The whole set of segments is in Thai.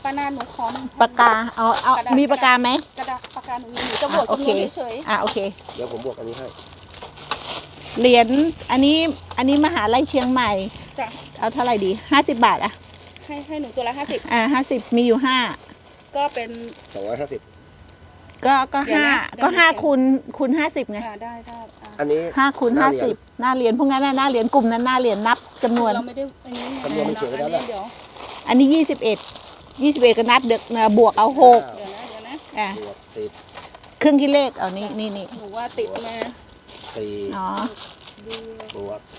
ป้านาหนูขอปากกาเอามีปากกาไหมกระดาษปากกาหนูจะบวกจำนวนเฉยโอเคเดี๋ยวผมบวกอันนี้ให้เหรียญอันนี้มหาลัยเชียงใหม่จ้ะเอาเท่าไหร่ดี50 บาทอะให้หนูตัวละ50 50มีอยู่5 ก็เป็น 250 ก็5คูณ50ไงได้อันนี้ 5คูณ50หน้าเหรียญพวกนั้นหน้าเหรียญกลุ่มนั้นหน้าเหรียญนับจำนวนเราไม่ได้อันนี้จำนวนมันเขียนไว้แล้วแหละอันนี้21ก็นับบวกเอา6 เดี๋ยวนะบวก10 เครื่องคิดเลขเอานี่หนูว่าติดมา 4 อ๋บวก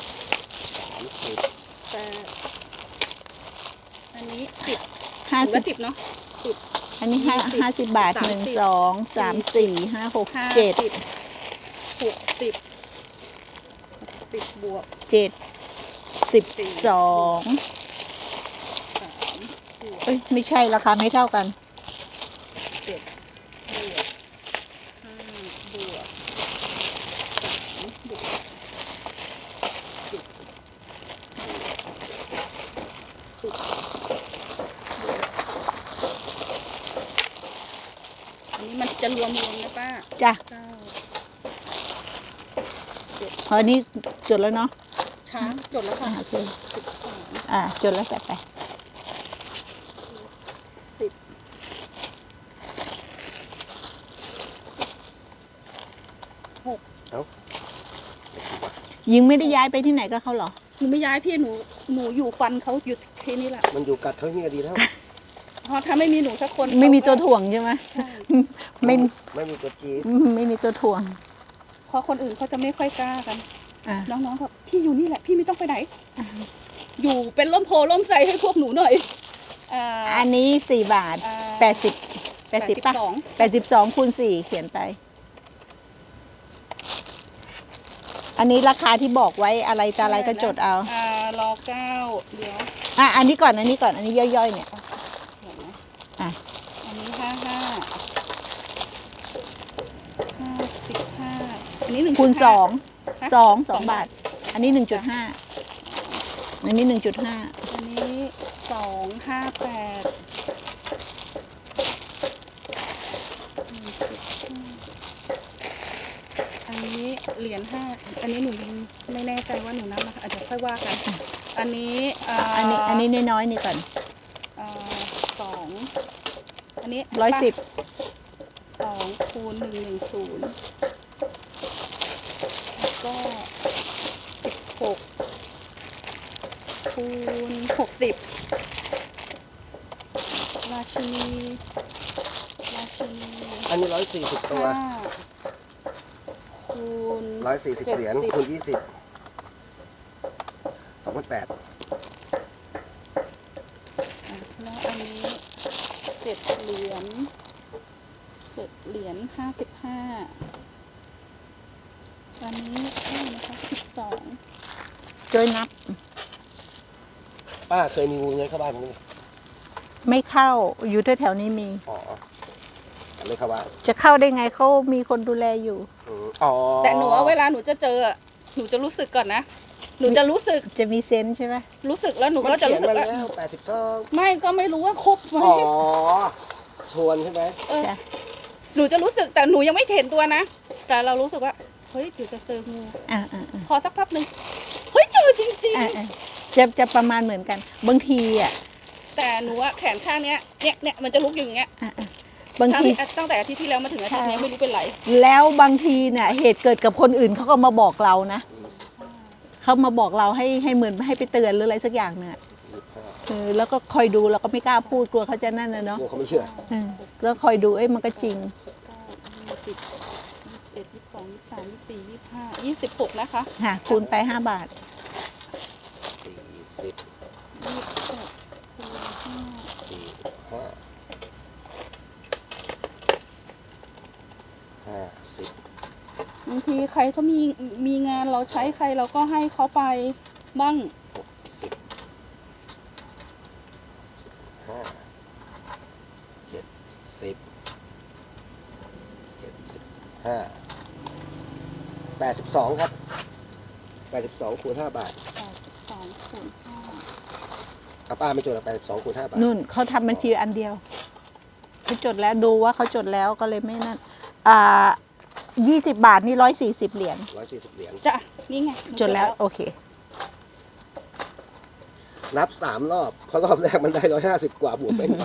30แต่อันนี้10เนาะอันนี้50 บาท1 2 3 4 5 6 7 60บวก 12เอ้ยไม่ใช่ราคาไม่เท่ากันมันจะรวมนะป้าจ้ะอันนี้จดแล้วเนาะช้าจดแล้วค่ะโอเคจดแล้วใส่ไปยิงไม่ได้ย้ายไปที่ไหนก็เขาหรอหนูไม่ย้ายพี่หนูอยู่ฟันเขาอยู่ที่นี่แหละมันอยู่กัดเขานี่ก็ดีแล้วเพราะถ้าไม่มีหนูสักคนไม่มีตัวถ่วงใช่ไหมไม่มีตัวจี๊ดไม่มีตัวถ่วงเพราะคนอื่นเขาจะไม่ค่อยกล้ากันน้องๆก็พี่อยู่นี่แหละพี่ไม่ต้องไปไหนอยู่เป็นร่มโพล่มใสให้พวกหนูหน่อยอันนี้4 บาท80ป่ะ82คูณ4เขียนไปอันนี้ราคาที่บอกไว้อะไรตาอะไรก็จดเอารอ9เดี๋ยวอันนี้ก่อนอันนี้ย่อยๆเนี่ยอันนี้55อันนี้1 คูณ2 บาทอันนี้ 1.5 อันนี้ 1.5 อันนี้258อันนี้เหรียญ5อันนี้หนูไม่แน่ใจว่าหนูนับนะคะอาจจะค่อยว่ากันอันนี้น้อยๆนี่ก่อน 2อันนี้ 110 2คูณ110แล้วก็16คูณ60ราชินีอันนี้140ตัวคูณ 140เหรียญคูณ20 2,800 แล้วอันนี้7 เหรียญ55อันนี้นะคะ12 ช่วยนับป้าเคยมีงูเลื้อยเข้าบ้านมั้ยไม่เข้าอยู่แถวๆนี้มีไม่เข้าบ้านจะเข้าได้ไงเขามีคนดูแลอยู่แต่หนูเวลาหนูจะเจอหนูจะรู้สึกก่อนนะหนูจะรู้สึกจะมีเซนส์ใช่ไหมรู้สึกแล้วหนูก็จะรู้สึกว่าไม่ก็ไม่รู้ว่าครบไหมชวนใช่ไหมหนูจะรู้สึกแต่หนูยังไม่เห็นตัวนะแต่เรารู้สึกว่าเฮ้ยเดี๋ยวจะเจองูพอสักพักหนึ่งเฮ้ยเจอจริงๆจะประมาณเหมือนกันบางทีแต่หนูแขนข้างเนี่ยมันจะลุกอย่างเงี้ยบางทีตั้งแต่อาทิตย์ที่แล้วมาถึงอาทิตย์นี้ไม่รู้เป็นไรแล้วบางทีเนี่ยเหตุเกิดกับคนอื่นเขาก็มาบอกเรานะเขามาบอกเราให้เหมือนให้ไปเตือนหรืออะไรสักอย่างเนี่ยแล้วก็คอยดูเราก็ไม่กล้าพูดกลัวเขาจะนั่นนะเนาะเขาไม่เชื่อแล้วคอยดูมันก็จริง 26นะคะคูณไป5 บาทบางทีใครเขามีงานเราใช้ใครเราก็ให้เขาไปบ้าง 82ครับ82คูณ5 บาท 82คูณ5 ป้าไม่จดเอาไป2 คูณ 5 บาทนู่นเขาทำบัญชีอันเดียวเขาจดแล้วดูว่าเขาจดแล้วก็เลยไม่นั่น20 บาทนี่140 เหรียญ 140 เหรียญจ้ะนี่ไงหนูจดแล้วโอเคนับ3 รอบเพราะรอบแรกมันได้150 กว่าบวกเป็นไป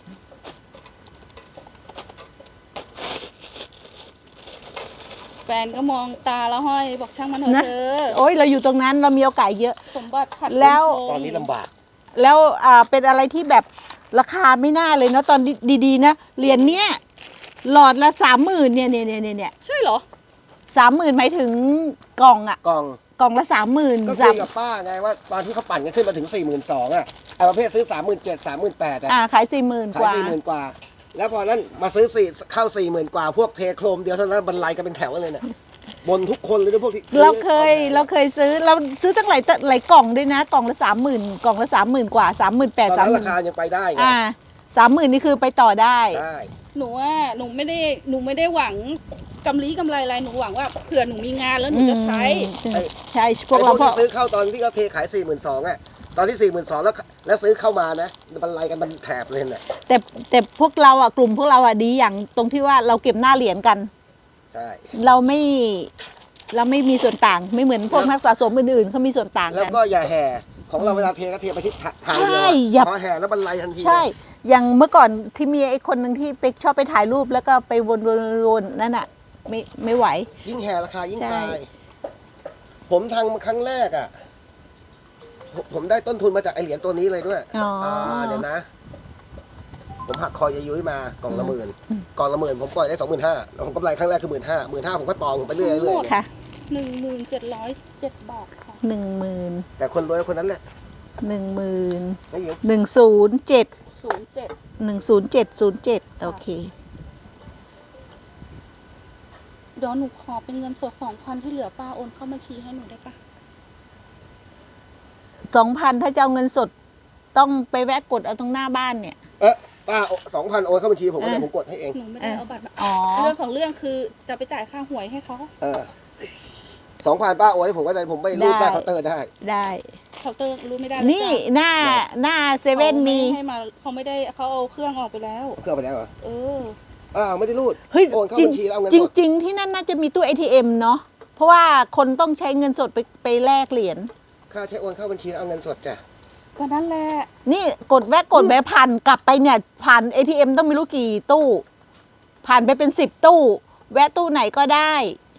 แฟนก็มองตาแล้วห้อยบอกช่างมันเถนะอะเธอโอ้ยเราอยู่ตรงนั้นเรามีโอกาสเยอะสมบัติขัดแล้วคนชมตอนนี้ลำบากแล้วเป็นอะไรที่แบบราคาไม่น่าเลยเนาะตอนดีๆนะเหรียญเนี้ยหลอดละ30,000เนี่ยใช่เหรอ 30,000หมายถึงกล่องอะกล่องกล่องละ30,000 ก็คุยกับป้าไงว่าตอนที่เขาปั่นกันขึ้นมาถึง 42,000อ่ะไอ้ประเภทซื้อ 37,000 38,000อ่ะขาย40,000 ขาก ยว่า 40,000 กว่า แล้วพอนั้นมาซื้อเข้า 40,000 กว่า พวกเทโครมเดียวเท่านั้นบรรลัยกันเป็นแถวเลยเนี่ยบนทุกคนเลยนะพวกที่เราเคยซื้อตั้งหลายกล่องด้วยนะกล่องละ30,000กล่องละ30,000 กว่าตอนนั้นราคา 38,000 ยังไปได้ไง 30,000นี่คือไปต่อได้ได้หนูไม่ได้หวังกำไรอะไรหนูหวังว่าเผื่อหนูมีงานแล้วหนูจะใช้ใช่พวกไอ้เราพวกที่ซื้อเข้าตอนที่เขาเทขาย 42,000อ่ะตอนที่ 42,000แล้วซื้อเข้ามานะบรรลัยกันมันแถบเลยเนี่ยแต่พวกเรากลุ่มพวกเราดีอย่างตรงที่ว่าเราเก็บหน้าเหรียญกันใช่เราไม่มีส่วนต่างไม่เหมือนพวกนักสะสมอื่นๆเขามีส่วนต่างแล้วกันก็อย่าแห่ของเราเวลาเทก็เทไปที่ทางเดียวใช่อย่าพอแห่แล้วบรรลัยทันทีใช่ อย่างเมื่อก่อนที่มีไอ้คนหนึ่งที่ไปชอบไปถ่ายรูปแล้วก็ไปวนๆนั่นน่ะไม่ไหวยิ่งแห่ราคายิ่งใช่ตายผมทำครั้งแรกอ่ะผมได้ต้นทุนมาจากไอเหรียญตัวนี้เลยด้วย เดี๋ยวนะ ผมหักคอยายุ้ยมากล่องละ10,000กล่องละ10,000ผมปล่อยได้25,000แล้วผมกำไรครั้งแรกคือ15,000ผมก็ตองผมไปเรื่อยๆเลยค่ะ 1707 บาทค่ะ 10,000 แต่คนรวยคนนั้นแหละ 10,000 ไม่เยอะ 107 07 10707โอเคเดี๋ยวหนูขอเป็นเงินสด 2,000 ที่เหลือป้าโอนเข้าบัญชีให้หนูได้ปะ 2,000 ถ้าจะเอาเงินสดต้องไปแวะกดเอาตรงหน้าบ้านเนี่ยป้า2,000โอนเข้าบัญชีผมก็เลยผมกดให้เองหนูไม่ได้เอาบัตรมาอ๋อเรื่องของเรื่องคือจะไปจ่ายค่าหวยให้เขา 2,000ป้าโอนให้ผมก็ได้ผมไปรูดหน้าเคาน์เตอร์ได้ได้เคาน์เตอร์รู้ไม่ได้นี่หน้าเซเว่นมีให้มาเขาไม่ได้เขาเอาเครื่องออกไปแล้วเครื่องไปแล้วเหรอเออไม่ได้รูดเฮ้ยโอนเข้าจริงบัญชีแล้วเอาเงินจสดริง ๆ ที่นั่นน่าจะมีตู้ ATM เนาะเพราะว่าคนต้องใช้เงินสดไปแลกเหรียญค่าใช้โอนเข้าบัญชีแล้วเอาเงินสดจ้ะก็นั่นแหละนี่กดแวะผ่านกลับไปเนี่ย ผ่าน ATM ต้องไม่รู้กี่ตู้ ผ่านไปเป็น10 ตู้ แวะตู้ไหนก็ได้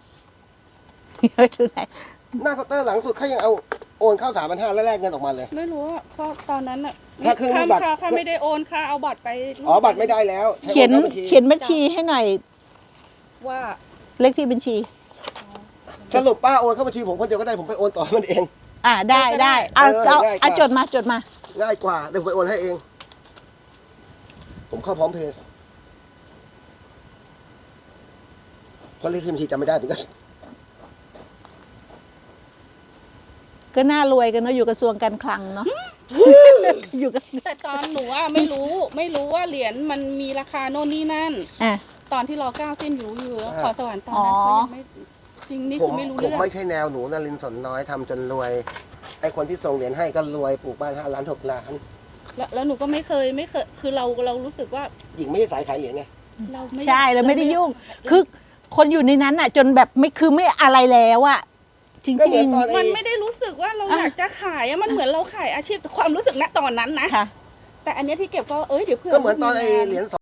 ตู้ไหนหน้าเคาน์เตอร์หลังสุดเขายังเอาโอนเข้า3,500แล้วแลกเงินออกมาเลยไม่รู้ว่าเพราะตอนนั้นอะถ้าเครื่องมีบัตรค่าไม่ได้โอนค่าเอาบัตรไปบัตรไม่ได้แล้วใช้เขียนโอข้าบัญชีเขียนบัญชีให้หน่อยว่าเลขที่บัญชีสรุปป้าโอนเข้าบัญชีผมคนเดียวก็ได้ผมไปโอนต่อมันเองได้เอาง่ายกว่าจดมาง่ายกว่าเดี๋ยวผมไปโอนให้เอง ผมเข้าพร้อมเพย์เพราะเลขที่บัญชีจำไม่ได้เหมือนกันก็น่ารวยกันเนาะอยู่กระทรวงการคลังเนาะ อยู่กันแต่ตอนหนูอะไม่รู้ว่าเหรียญมันมีราคาโน่นนี่นั่นอ่ะตอนที่รอ9สิ้นอยู่ขอสวรรค์ตอนนั้นเขายังไม่จริงนี่ผมคือไม่รู้ผมเรื่องไม่ใช่แนวหนูนรินทร์สนน้อยทำจนรวย ไอคนที่ส่งเหรียญให้ก็รวยปลูกบ้าน5 ล้าน 6 ล้านแล้วหนูก็ไม่เคยคือเรารู้สึกว่าหญิงไม่ใช่สายขายเหรียญไงเราไม่ใช่เราไม่ได้ยุ่ง คือคนอยู่ในนั้นอ่ะ จนแบบไม่อะไรแล้วอ่ะ จริงก็เหมือนตอนมันไม่ได้รู้สึกว่าเราอยากจะขายอะมันเหมือนเราขายอาชีพความรู้สึกณตอนนั้นนะค่ะแต่อันเนี้ยที่เก็บก็เดี๋ยวเพื่อนก็เหมือนตอนไอเหรียญ